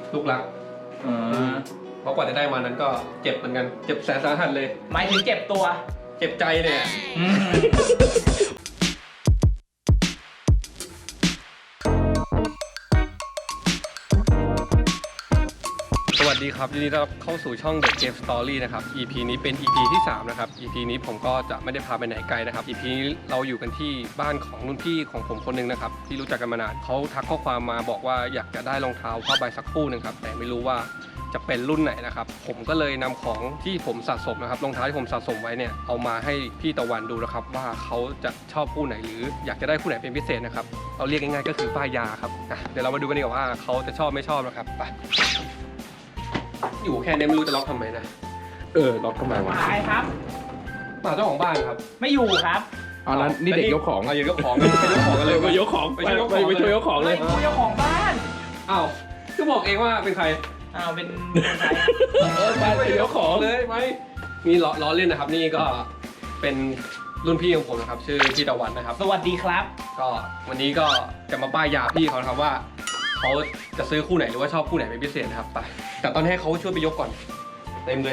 ลูกรักเพราะกว่าจะได้มานั้นก็เจ็บเหมือนกันเจ็บแสนสาหัสเลยหมายถึงเจ็บตัวเจ็บใจเนี่ยสวัสดีครับยินดีต้อนรับเข้าสู่ช่อง The Game Story นะครับ EP นี้เป็น EP ที่ 3 นะครับ EP นี้ผมก็จะไม่ได้พาไปไหนไกลนะครับ EP นี้เราอยู่กันที่บ้านของรุ่นพี่ของผมคนหนึงนะครับที่รู้จักกันมานานเขาทักข้อความมาบอกว่าอยากจะได้รองเท้าผ้าใบสักคู่หนึ่งครับแต่ไม่รู้ว่าจะเป็นรุ่นไหนนะครับผมก็เลยนำของที่ผมสะสมนะครับรองเท้าที่ผมสะสมไว้เนี่ยเอามาให้พี่ตะวันดูนะครับว่าเขาจะชอบคู่ไหนหรืออยากจะได้คู่ไหนเป็นพิเศษนะครับเราเรียกง่ายๆก็คือป้ายยาครับเดี๋ยวเรามาดูกันดีกว่าว่าเขาจะชอบไม่ชอบนะครับไปอยู่แค่นี้ไม่รู้จะล็อกทำไมนะล็อกทำไมวะใครครับป่าเจ้าของบ้านครับไม่อยู่ครับอ๋อแล้วนี่เด็กยกของเอายกของไปยกของกันเลยไปยกของไปช่วยยกของไปช่วยยกของเลยไม่กูเจ้าของบ้านอ้าวก็บอกเองว่าเป็นใครอ้าวเป็นคนไทยไปยกของเลยไหมนี่ล้อเล่นนะครับนี่ก็เป็นรุ่นพี่ของผมนะครับชื่อพี่ตะวันนะครับสวัสดีครับก็วันนี้ก็จะมาป้ายยาพี่เขาครับว่าเขาจะซื้อคู่ไหนหรือว่าชอบคู่ไหนเป็นพิเศษนะครับไปแต่ตอนนี้ให้เขาช่วยไปยกก่อนเต็มเลย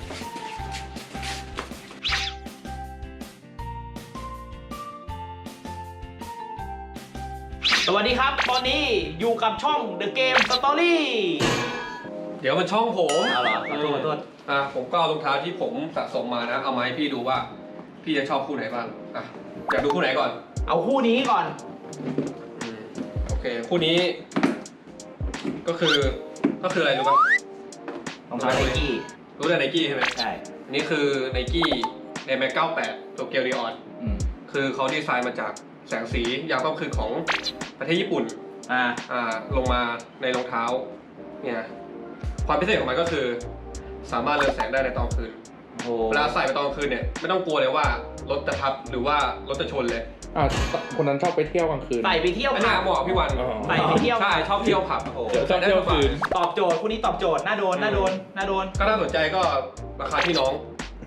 สวัสดีครับ ตอนนี้อยู่กับช่อง The Game Story เดี๋ยวมันช่องผมเอาเหรอขอโทษผมก็เอารองเท้าที่ผมสะสมมานะเอามาให้พี่ดูว่าพี่จะชอบคู่ไหนบ้างอยากดูคู่ไหนก่อนเอาคู่นี้ก่อนโอเคคู่นี้ก็คืออะไรรู้ป่ะรองเท้าไนกี้รู้แต่ไนกี้ใช่ไหมใช่อันนี้คือไนกี้ในแม็ก98ตัวเกียวรีออนคือเขาดีไซน์มาจากแสงสียามค่ำคืนของประเทศญี่ปุ่นลงมาในรองเท้าเนี่ยความพิเศษของมันก็คือสามารถเรืองแสงได้ในตอนคืนเวลาใส่ไปตอนคืนเนี่ยไม่ต้องกลัวเลยว่ารถจะทับหรือว่ารถจะชนเลยคนนั้นชอบไปเที่ยวกลางคืนใส่ไปเที่ยวไม่น่าเหมาะพี่วันใส่ไปเที่ยวใช่ชอบเที่ยวผับชอบเที่ยวคืนตอบโจทย์คู่นี้ตอบโจทย์น่าโดนก็น่าสนใจก็ราคาที่น้อง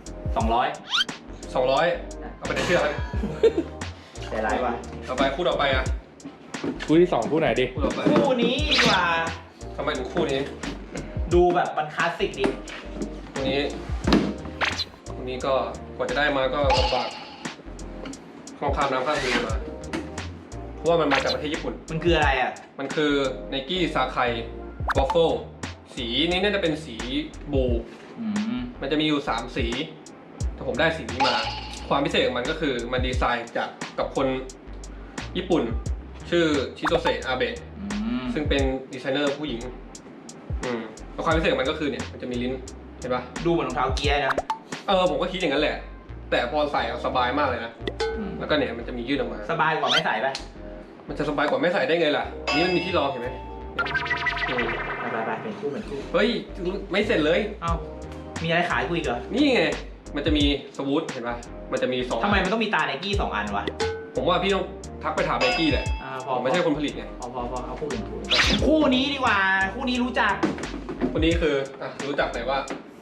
200 เอาไปในเชือกเลยใจร้ายว่ะต่อไปคู่ต่อไปอ่ะคู่ที่ 2คู่ไหนดิคู่ต่อไปคู่นี้ดีกว่าทำไมถึงคู่นี้ดูแบบมันคลาสสิกดีคู่นี้ก็กว่าจะได้มาก็ลำบากข้ามน้ำข้ามทะเลมาเพราะว่ามันมาจากประเทศญี่ปุ่นมันคืออะไรอ่ะมันคือไนกี้ซาไควอฟเฟิลสีนี้น่าจะเป็นสีบูมันจะมีอยู่3สีแต่ผมได้สีนี้มาความพิเศษของมันก็คือมันดีไซน์จากกับคนญี่ปุ่นชื่อชิโตเซะอาเบะซึ่งเป็นดีไซเนอร์ผู้หญิงแล้วความพิเศษของมันก็คือเนี่ยมันจะมีลิ้นเห็นปะดูเหมือนรองเท้าเกียร์นะผมก็คิดอย่างนั้นแหละแต่พอใส่สบายมากเลยนะแล้วก็เนี่ยมันจะมียืดออกมาสบายกว่าไม่ใส่ป่ะมันจะสบายกว่าไม่ใส่ได้ไงล่ะนี่มันมีที่รองเห็นไหมไปเป็นคู่เฮ้ยไม่เสร็จเลยเอ้ามีอะไรขายกูอีกเหรอนี่ไงมันจะมีสวูทเห็นปะมันจะมี2 ทำไมมันต้องมีตาไนกี้2 อันวะผมว่าพี่ต้องทักไปถามไนกี้แหละผมไม่ใช่คนผลิตไงพอเอาคู่อื่นคู่นี้ดีกว่าคู่นี้รู้จักคนนี้คือรู้จักไหนว่าร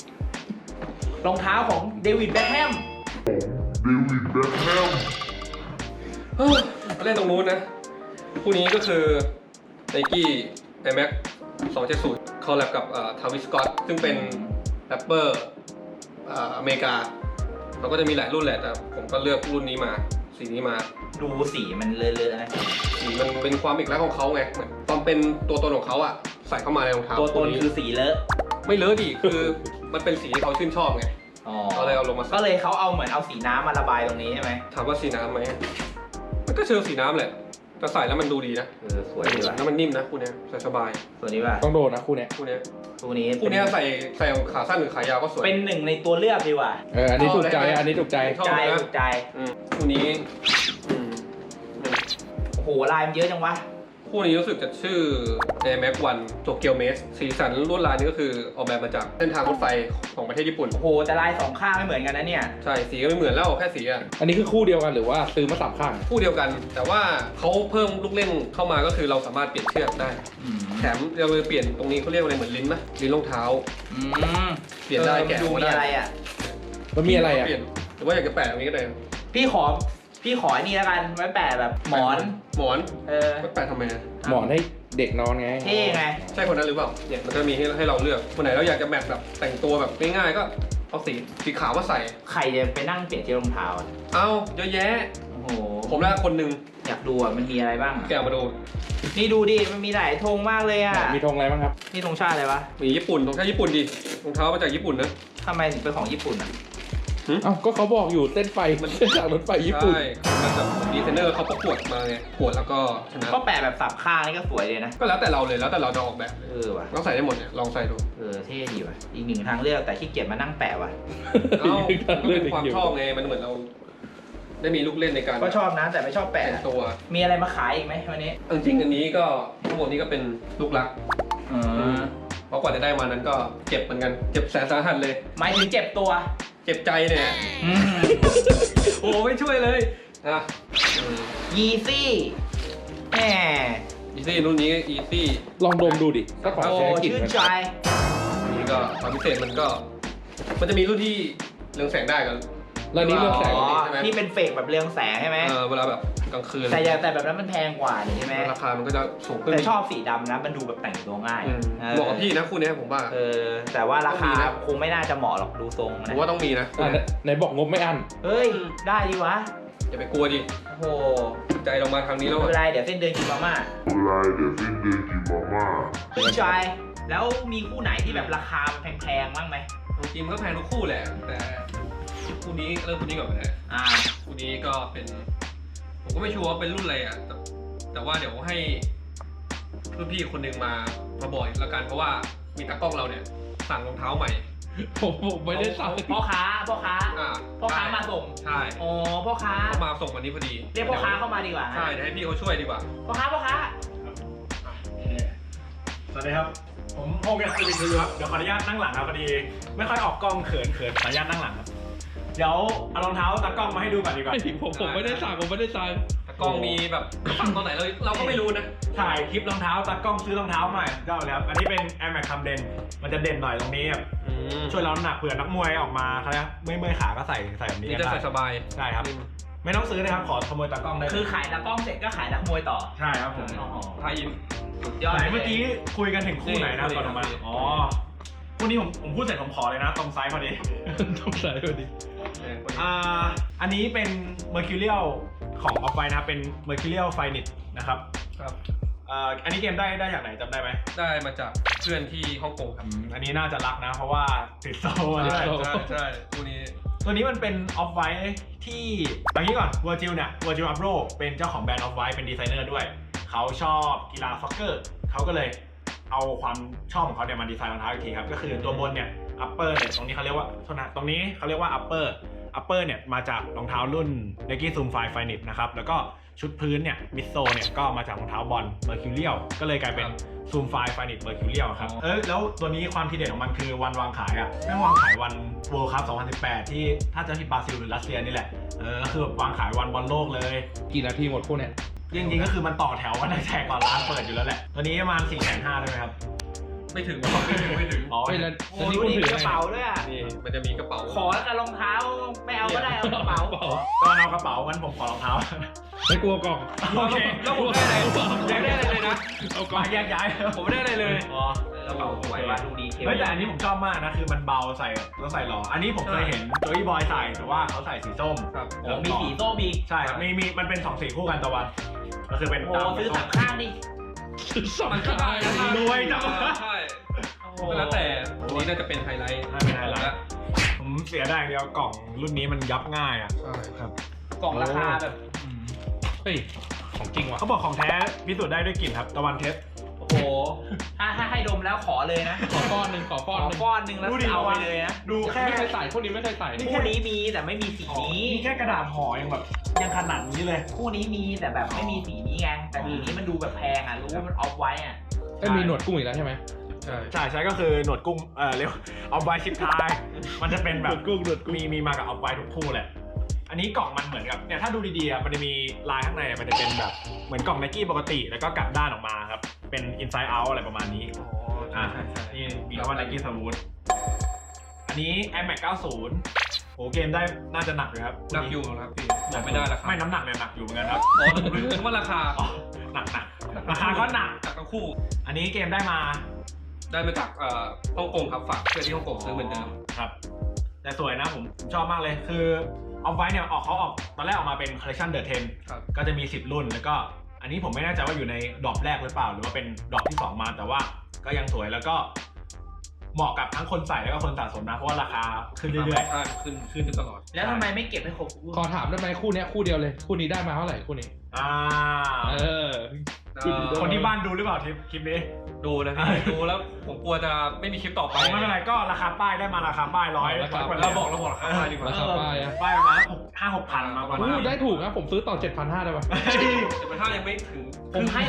องเท้าของเดวิดแบ็คแฮมมาเล่นตรงนู้นนะคู่นี้ก็คือไนกี้ไอแม็ก270คอลแลบกับทาวิสกอตซึ่งเป็นแรปเปอร์อเมริกาเราก็จะมีหลายรุ่นแหละแต่ผมก็เลือกรุ่นนี้มาสีนี้มาดูสีมันเลอะๆนะสีมันเป็นความเอกลักษณ์ของเขาไงเหมือนตอนเป็นตัวตนของเขาอะใส่เข้ามาในรองเท้าตัวตนคือสีเลอะไม่เลอะดิคือมันเป็นสีที่เขาชื่นชอบไงเขาเลยเอาลงมาก็เลยเขาเอาเหมือนเอาสีน้ำมาระบายตรงนี้ใช่ไหมถามว่าสีน้ำไหมมันก็เชิงสีน้ำแหละแต่ใส่แล้วมันดูดีนะสวยดีว่ะแล้วมันนิ่มนะคู่นี้ใส่สบายสวยดีว่ะต้องโดนนะคู่นี้ใส่ขาสั้นหรือขายาวก็สวยเป็นหนึ่งในตัวเลือกดีว่ะอันนี้ถูกใจถูกใจคู่นี้โอ้โหลายมันเยอะจังวะคู่นี้รู้สึกจะชื่อ Air Max 1 Tokyo Maze สีสันลวดลายนี่ก็คือออกแบบมาจากเส้นทางรถไฟของประเทศญี่ปุ่นโอ้โหแต่ลาย2 ข้างไม่เหมือนกันนะเนี่ยใช่สีก็ไม่เหมือนแล้วแค่สีอันนี้คือคู่เดียวกันหรือว่าซื้อมา3 ข้างคู่เดียวกันแต่ว่าเขาเพิ่มลูกเล่นเข้ามาก็คือเราสามารถเปลี่ยนเชือกได้แถมเราเปลี่ยนตรงนี้เขาเรียกว่าอะไรเหมือนลิ้นไหมลิ้นรองเท้าเปลี่ยนได้แกะดูมีอะไรอ่ะมันมีอะไรอ่ะเปลี่ยนหรือว่าอยากจะแปะตรงนี้ก็ได้พี่ขอไอ้นี่แล้วกันไว้แปะแบบหมอนไว้แปะทำไมหมอนให้เด็กนอนไงเท่ไงใช่คนนั้นหรือเปล่าเนี่ยมันก็มีให้เราเลือกคนไหนเราอยากจะแมทแบบแต่งตัวแบบง่ายๆก็เอาสีขาวมาใส่ใครจะไปนั่งเปลี่ยนที่รองเท้าอะเอาเยอะแยะโอ้โหผมแล้วคนหนึ่งอยากดูอ่ะมันมีอะไรบ้างอะแกะมาดูนี่ดูดิมันมีหลายธงมากเลยอ่ะมีธงอะไรบ้างครับนี่ธงชาติอะไรวะมีญี่ปุ่นรองเท้าญี่ปุ่นดิรองเท้ามาจากญี่ปุ่นนะทำไมถึงเป็นของญี่ปุ่นอ่ะเอ้าก็เขาบอกอยู่เส้นไฟมันเส้นจากรถไฟญี่ปุ่นใช่มันแบบดีไซเนอร์เขาประกวดมาไงประกวดแล้วก็ชนะก็แปะแบบสับข้างนี่ก็สวยเลยนะก็แล้วแต่เราเลยแล้วแต่เราจะออกแบบเออว่ะต้องใส่ได้หมดเนี่ยลองใส่ดูเท่ดีว่ะอีกหนึ่งทางเลือกแต่ขี้เกียจมานั่งแปะว่ะเอ้าก็เป็นความชอบไงมันเหมือนเรา ได้มีลูกเล่นในการก็ชอบนะแต่ไม่ชอบแปะแต่งตัวมีอะไรมาขายอีกไหมวันนี้จริงๆอันนี้ก็ทั้งหมดนี้ก็เป็นลูกรักอืมเพราะกว่าจะได้มานั้นก็เจ็บเหมือนกันเจ็บแสนสาหัสเลยหมายถึงเจ็บตัวเจ็บใจเนี่ยอืมโอ้ไม่ช่วยเลยอ่ะยีซี่แหมอีซี่รุ่นนี้อีซี่ลองดมดูดิถ้าของโอ้แท้กลิ่นชื่นมันใจอันนี้ก็ความพิเศษมันจะมีรุ่นที่เรืองแสงได้กันแล้วนี้เรื่องแสงอ๋อใช่ไหมที่เป็นเฟกแบบเรืองแสงใช่ไหมเวลาแบบกลางคืนแต่แบบนั้นมันแพงกว่านี่ใช่ไหมราคามันก็จะสูงขึ้นแต่ชอบสีดำนะมันดูแบบแต่งตัวง่ายอืมเออเหมาะกับพี่นะคู่นี้ผมว่าแต่ว่าราคาต้องมีนะคงไม่น่าจะเหมาะหรอกดูทรงผนะมว่าต้องมีนะอ่ะไหนบอกงบไม่อั้นเฮ้ยได้ดีวะอย่าไปกลัวดิโอ้โหใจเรามาทางนี้ไม่แล้วเป็นอะไรเดี๋ยวเส้นเดินกินมาม่า ชื่นใจแล้วมีคู่ไหนที่แบบราคาแพงๆบ้างไหมจริงๆมันก็แพงทุกคู่แหละแต่คู่นี้เริ่มคู่นี้ก่อนเลยอ่าคู่นี้ก็เป็นผมก็ไม่ชัวร์ว่าเป็นรุ่นอะไรอ่ะแต่ว่าเดี๋ยวให้รุ่นพี่คนหนึ่งมาบอกอีกแล้วกันเพราะว่ามีตากล้องเราเนี่ยสั่งรองเท้าใหม่ผมไม่ได้สั่งพ่อค้าอ่ามาส่งใช่อ๋อพ่อค้าเขามาส่งวันนี้พอดีเรียกพ่อค้าเข้ามาดีกว่าใช่เดี๋ยวให้พี่เขาช่วยดีกว่าพ่อค้าสวัสดีครับ ผมโฮมเกสต์วิทย์ครับ เดี๋ยวขออนุญาตนั่งหลังครับพอดี ไม่ค่อยออกกล้องเขินขออนุญาตนั่งหลังครับ เดี๋ยวเอารองเท้าตากล้องมาให้ดูก่อนดีกว่าผมไม่ได้สั่งผมไม่ได้สั่งตากล้องมีแบบสั่งตอนไหนเราก็ไม่รู้นะถ่ายคลิปรองเท้าตากล้องซื้อรองเท้าใหม่ก็เลยครับ อันนี้เป็น Air Max คำเด่นมันจะเด่นหน่อยตรงนี้ครับช่วยเราน้ำหนักเผื่อนักมวยออกมาเขาเรียกไม่เมื่อยขาก็ใส่แบบนี้นี่ก็จะได้ใส่สบายใช่ครับ ไม่ต้องซื้อนะครับขอขโมยตากล้องได้คือขายนักกล้องเสร็จก็ขายนักมวยต่อใช่ครับผมไทยอินสุดยอดไหนเมื่อกี้คุยกันถึงคู่ไหนนะนี่ก่อนออกมานี่อ๋อคู่นี้ผมพูดเสร็จผมขอเลยนะตรงไซส์พอดีต้องใส่พอดีอันนี้เป็น Mercurial ของ Off-White นะครับเป็น Mercurial Finite นะครับครับอันนี้เกมได้จากไหนจำได้ไหมได้มาจากเพื่อนที่ฮ่องกงครับอันนี้น่าจะรักนะ เพราะว่าติดโซ่มาด้วยใช่คู่นี้ตัวนี้มันเป็น Off-White ที่เอางี้ก่อน Virgil เนี่ย Virgil Abloh เป็นเจ้าของแบรนด์ Off-White เป็นดีไซเนอร์ด้วย เขาชอบกีฬาซ็อกเกอร์เขาก็เลยเอาความชอบของเขาเนี่ยมาดีไซน์รองเท้าอีกทีครับก็คือตัวบนเนี่ย upper เนี่ยตรงนี้เขาเรียกว่าโทษนะตรงนี้เขาเรียกว่า upper เนี่ยมาจากรองเท้ารุ่น Nike Zoom Fly Finite นะครับแล้วก็ชุดพื้นเนี่ยมิดโซเนี่ยก็มาจากรองเท้าบอล Mercurial ก็เลยกลายเป็น Zoom Fly Finite Mercurial ครับแล้วตัวนี้ความทีเด็ดของมันคือวันวางขายอ่ะไม่วางขายวัน World Cup 2018 ที่ถ้าจะที่บราซิลหรือรัสเซียนี่แหละก็คือแบบวางขายวันบอลโลกเลยกี่นาทีหมดคู่เนี่ยจริงๆก็คือมันต่อแถวกันตั้งแต่ก่อนร้านเปิดอยู่แล้วแหละตัวนี้ประมาณ 450,000ได้ไหมครับไม่ถึงไม่ถึงอ๋อไม่แล้วโอ้แล้วนี่ดูคุณดิถือมีกระไงเป๋าด้วยอ่ะนี่มันจะมีกระเป๋าขอแล้วกันรองเท้าไม่เอาก็ได้เอากระเป๋าตอนเอากระเป๋างั้นผมขอรองเท้าไม่กลัวกล่องโอเคแล้วผมได้อะไรผมไม่ได้อะไรเลยนะเอากล่องมาแยกย้ายผมไม่ได้อะไรเลยอ๋อกระเป๋าสวยว่ะดูดีเทลเฮ้ยแต่อันนี้ผมชอบมากนะคือมันเบาใส่แล้วใส่หล่ออันนี้ผมเคยเห็นโจยบอยใส่แต่ว่าเขาใส่สีส้มครับโอ้มีสีโซ่มีใช่ครับมีมันเป็น2สีคู่กันตะวันก็คือเป็นโอ้ซื้อสามข้างดิมันก็ได้นะรวยจังใช่ก็แล้วแต่อันนี้น่าจะเป็นไฮไลท์เป็นไฮไลท์ผมเสียดายอย่างเดียวกล่องรุ่นนี้มันยับง่ายอ่ะใช่ครับกล่องราคาแบบเฮ้ยของจริงว่ะเขาบอกของแท้พิสูจน์ได้ด้วยกลิ่นครับตะวันเทสโอ้โหถ้าให้ดมแล้วขอเลยนะขอก้อนหนึ่งขอขก้อนอหนึ่งก้อนหนึ่งแล้วดูดิเอาไปเลยนะดูแค่ไม่เคยใส่คู่นี้ไม่เคยใส่คู่นี้มีแต่ไม่มีสีนี้นี่แค่กระดาษห่อยังแบบยังขนาดนี้เลยคู่นี้มีแต่แบบไม่มีสีนี้ไงแต่สีนี้มันดูแบบแพงอ่ะรู้ว่ามันออฟไว้อ่ะไม่มีหนวดกุ้งอีกแล้วใช่ไหมใช่ใช่ก็คือหนวดกุ้งเรียกเอาไว้ชิปทายมันจะเป็นแบบหนวดกุ้งหนวดกุ้งมีมากับเอาไว้ทุกคู่แหละอันนี้กล่องมันเหมือนกับเนี่ยถ้าดูดีๆอ่ะมันจะมีลายข้างในมันจะเป็นแบบเหมือนกล่องไนกี้ปกติแล้วก็กลับด้านออกมาครับเป็น inside out อะไรประมาณนี้อ๋อใช่ใช่นี่มีคำว่า Nike Smooth อันนี้ Air Max 90โอ้เกมได้น่าจะหนักเลยครับหนักอยู่ครับพี่บอกไม่ได้ราคาไม่น้ำหนักเนี่ยหนักอยู่เหมือนกันครับอ๋อนึกว่าราคาอ๋อหนักราคาก็หนักหนักทั้งคู่อันนี้เกมได้มาจากฮ่องกงครับฝากเพื่อนที่ฮ่องกงซื้อเหมือนเดิมครับแต่สวยนะผมชอบมากเลยคือเอาไว้เนี่ยเขาออกตอนแรกออกมาเป็นคอลเลคชันเดอะ10 ครับก็จะมี10รุ่นแล้วก็อันนี้ผมไม่แน่ใจว่าอยู่ในดรอปแรกหรือเปล่าหรือว่าเป็นดรอปที่2มาแต่ว่าก็ยังสวยแล้วก็เหมาะกับทั้งคนใส่แล้วก็คนสะสมนะเพราะว่าราคาขึ้นเรื่อยใช่ขึ้นตลอดแล้วทำไมไม่เก็บให้ครบขอถามได้ไหมคู่เนี้ยคู่เดียวเลย คู่นี้ได้มาเท่าไหร่คู่นี้ๆเออคนที่บ้านดูหรือเปล่าคลิปนี้ดูนะพี่ ดูแล้วผมกลัวจะไม่มีคลิปต่อไปไม่เป็นไรก็ราคาป้ายได้มาราคาป้ายร้อยราคากว่าเราบอกราคาป้ายดีกว่าราคาป้ายอะป้ายประมาณ5-6 พันมาประมาณได้ถูกนะผมซื้อต่อ 7,500ได้ปะแต่มันถ้ายังไม่ถึงผมให้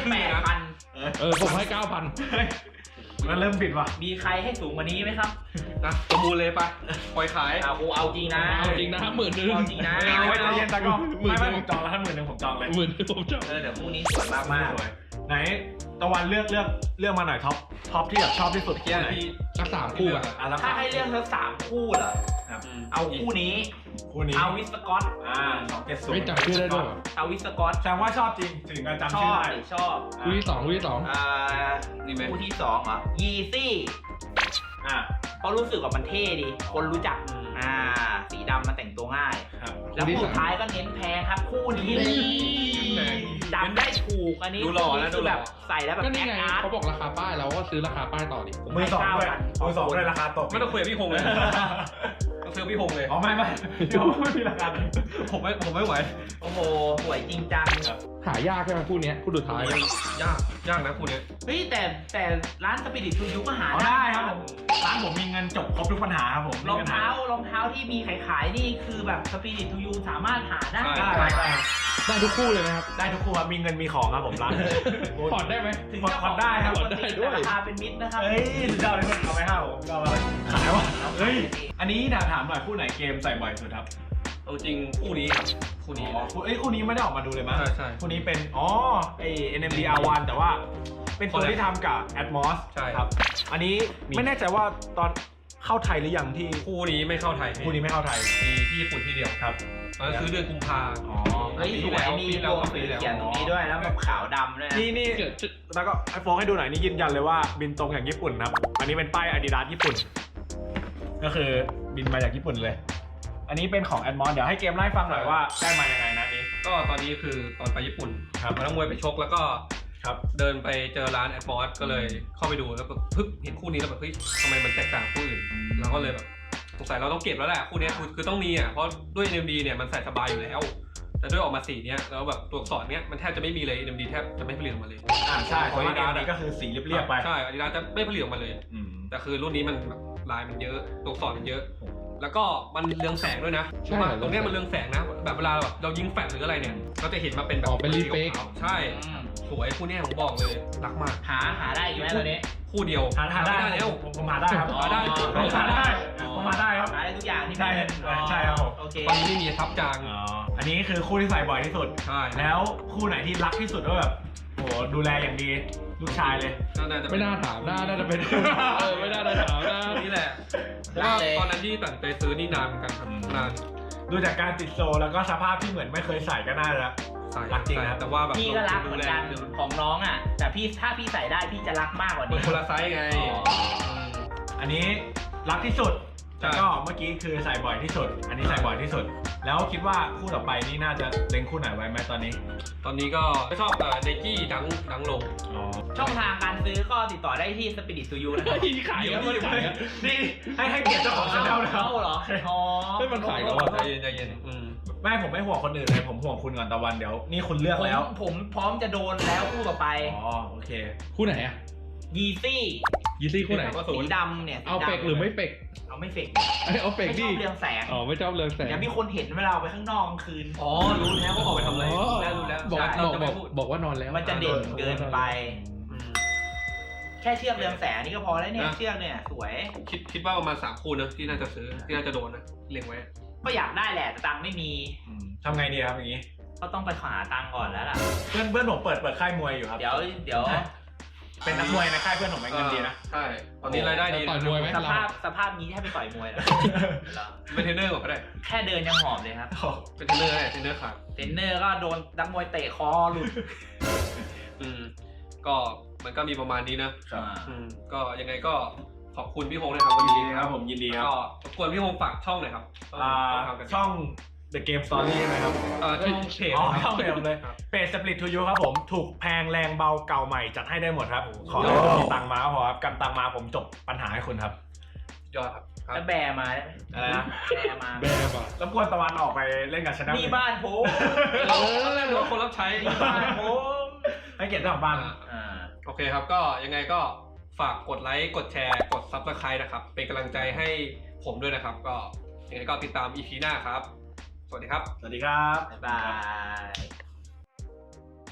8,000 ผมให้ 9,000 มันเริ่มบิดว่ะมีใครให้สูงกว่านี้ไหมครับนะประมูลเลยไปปล่อยขายเอาจริงนะเอาจริงนะ10,000 เอาจริงนะเอาไว้ใจเย็นตะก็ไม่ผมจองแล้วถ้า10,000ผมจองเลย 10,000ผมชอบเดี๋ยวพรุ่งนี้สวยมากมากสวยไหนตะวันเลือกมาหน่อยท็อปที่แบบชอบที่สุดเมื่อกี้ที่สัก3คู่อะแล้วถ้าให้เลือกทั้ง3คู่เหรอครับเอาคู่นี้คู่นี้เอาวิสกอต 270 ไม่จำชื่อได้ด้วยเหรอเอาวิสกอตแสดงว่าชอบจริงถึงการจำชชื่ออบ ได้ชอบคู่ที่2คู่ที่2 นี่ไหมคู่ที่2เหรอยีซี่อ่าเพราะรู้สึกว่ามันเท่ดี คนรู้จัก สีดำมันแต่งตัวง่ายครับแล้วคู่สุดท้ายก็เน้นแพงครับ คู่นี้จำได้ถูกอันนี้ดูหล่อนะคือแบบใส่แล้วแบบก็แอนี่คไงอาร์ตเขาบอกราคาป้ายเราก็ซื้อราคาป้ายต่อดิมือสองด้วยราคาตกไม่ต้องคุยกับพี่พงษ์เลยต้องซื้อพี่พงษ์เลยอ๋อไม่เดี๋ยวไม่มีราคาผมไม่ไหวโอ้โหสวยจริงจังหายากใช่ไหมคู่เนี้ยคู่สุดท้ายยากนะคู่นี้เฮ้ยแต่ร้านสปิริตทูยูก็หาได้ครับผมร้านผมมีเงินจบครบทุกปัญหาครับผมรองเท้าที่มีขายนี่คือแบบสปิริตทูยูสามารถหาได้ได้ทุกคู่เลยไหมครับได้ทุกคู่ครับมีเงินมีของครับผมร้านผ่อนได้ไหมถึงเจ้าของได้ครับปกติแต่ราคาเป็นมิตรนะครับเฮ้ยสุดยอดเลยเอาไป5ผมก็ขายว่ะเฮ้ยอันนี้ถามหน่อยคู่ไหนเกมใส่บ่อยสุดครับเอาจริงคู่นี้ครับคู่นี้คู่นี้ไม่ได้ออกมาดูเลยมั้ยใช่คู่นี้เป็นNMD R1 แต่ว่าเป็นตัวที่ทำกับ Atmos ใช่ครับอันนี้ไม่แน่ใจว่าตอนเข้าไทยหรือยังที่คู่นี้ไม่เข้าไทยคู่นี้ไม่เข้าไทยมีที่ญี่ปุ่นที่เดียวครับตอนนั้นซื้อเดือนกุมภาเฮ้ยสวยมีวงเขียนตรงนี้ด้วยแล้วแบบขาวดำด้วยนะนี่แล้วก็ไอโฟนให้ดูหน่อยนี่ยืนยันเลยว่าบินตรงอย่างญี่ปุ่นครับอันนี้เป็นป้าย Adidas ญี่ปุ่น ก็คือบินมาจากญี่ปุ่นเลย อันนี้เป็นของ Atmos เดี๋ยวให้เกมไล่ฟังหน่อยว่าได้มายังไงนะนี้ก็ตอนนี้คือตอนไปญี่ปุ่นครับมานักมวยไปชกแล้วก็ครับเดินไปเจอร้านแอดมอสก็เลยเข้าไปดูแล้วก็พึบเห็นคู่นี้แล้วแบบเฮ้ยทำไมมันแตกต่างคู่อื่นเราก็เลยแบบสงสัยเราต้องเก็บแล้วแหละคู่นี้คือต้องมีอ่ะเพราะด้วย NMD เนี่ยมันใส่สบายอยู่แล้ว แต่ด้วยออกมาสีเนี้ยแล้วแบบตัวอักษรเนี้ยมันแทบจะไม่มีเลย NMD แทบจะไม่ผลิตออกมาเลยใช่เพราะว่า Adidas ก็คือสีเรียบๆไปใช่อาดิดาสจะไม่ผลิตออกมาเลย แต่คือรุ่นนี้มันแบบลายมันเยอะตัวอักษรมันเยอะ แล้วก็มันเรืองแสงด้วยนะใช่ว่าตรงเนี้ยมันเรืองแสงนะแบบเวลาแบบเรายิงแฟลชหรืออะไรเนี่ยก็จะเห็นมาเป็นแบบอ๋อเป็นรีเฟกใช่สวยคู่เนี้ยผมบอกเลยรักมากหาได้อยู่ไหมตอนนี้คู่เดียวหาได้แล้วผมหาได้ครับหาได้ผมหาได้ผมหาได้ครับหาได้ทุกอย่างที่ใช่เป็นใช่ครับผมโอเคตอนนี้ไม่มีทับจางอันนี้คือคู่ที่ใส่บ่อยที่สุดใช่แล้วคู่ไหนที่รักที่สุดก็แบบโหดูแลอย่างดีลูกชายเลยน่าจะไม่น่าถามน่าจะเป็นไม่น่าถามนะนี่แหละเพราะว่าตอนนั้นที่ตัดไปซื้อนี่นานเหมือนกันครับนานดูจากการติดโซแล้วก็สภาพที่เหมือนไม่เคยใส่ก็น่าจะใส่รักจริงนะแต่ว่าแบบพี่ก็รักเหมือนกันของน้องอ่ะ แต่ถ้าพี่ใส่ได้พี่จะรักมากกว่ามันนี้คนละไซส์ไงอันนี้รักที่สุดใช่แล้วก็เมื่อกี้คือใส่บ่อยที่สุด อันนี้ใส่บ่อยที่สุด แล้วคิดว่าคู่ต่อไปนี่น่าจะเล็งคู่ไหนไว้ไหมตอนนี้ตอนนี้ก็ชอบไนกี้ดังลงช่องทางการซื้อก็ติดต่อได้ที่ Spirit to You นะครับขายแล้วมันขายแล้วนี่ให้เกียรติเจ้าของชาแนลนะครับเหรออ๋อไม่มันขายแล้วอะใจเย็นไม่ผมไม่ห่วงคนอื่นเลยผมห่วงคุณก่อนตะวันเดี๋ยวนี่คุณเลือกแล้วผมพร้อมจะโดนแล้วคู่ต่อไปอ๋อโอเคคู่ไหนอะยีซี่ยีซี่คู่ไหนสีดำเนี่ยเอาเฟกหรือไม่เฟกเอาไม่เฟกเอาเฟกไม่ชดิอบเรืองแสงอ๋อไม่ชอบเรืองแสงเดี๋ยวมีคนเห็นเวลาเอาไปข้างนอกกลางคืนอ๋อรู้แล้วว่าออกไปทำอะไรรู้แล้วบอกว่านอนแล้วมันจะเด่นเกินไป แค่เชือกเรืองแสงนี่ก็พอแล้วเนี่ยเชือกเนี่ยสวยคิดว่าประมาณ3คู่นะที่น่าจะซื้อที่น่าจะโดนนะเล็งไว้ก็อยากได้แหละแต่ตังค์ไม่มีทำไงดีครับอย่างนี้ก็ต้องไปหาตังค์ก่อนแล้วล่ะเพื่อนผมเปิดค่ายมวยอยู่ครับเดี๋ยวเป็นนักมวยในค่ายเพื่อนผมเงินดีนะใช่ตอนนี้รายได้ดีต่อยมวยไหมสภาพนี้ให้ไปต่อยมวยเหรอเป็นเทรนเนอร์ก่อนก็ได้แค่เดินยังหอบเลยครับเป็นเทรนเนอร์ได้เทรนเนอร์ขาดเทรนเนอร์ก็โดนนักมวยเตะคอหลุดก็มันก็มีประมาณนี้นะครับก็ยังไงก็ขอบคุณพี่ฮงนะครับวันยินนี้ดีครับผมยินดีครับก็รบกวนพี่ฮงฝากช่องหน่อยครับช่อง The Game Story ใช่ไหมครับช่องเพจอ๋อครับช่องเพจเลยครับเพจ Split to You ครับผมถูกแพงแรงเบาเก่าใหม่จัดให้ได้หมดครับขอให้มีตังค์มาก็พอครับกำตังค์มาผมจบปัญหาให้คุณครับยอดครับแล้วแบร์มาได้ไหมอะไรนะแบร์มาแม่ป่ะรบกวนตะวันออกไปเล่นกับชนะนี่บ้านผมแล้วหรือว่าคนรับใช้นี่บ้านผมให้เกียรติเจ้าของบ้านโอเคครับก็ยังไงก็ฝากกดไลค์กดแชร์กด Subscribe นะครับเป็นกำลังใจให้ผมด้วยนะครับก็ยังไงก็ติดตาม EP หน้าครับ สวัสดีครับสวัสดีครับบ๊ายบาย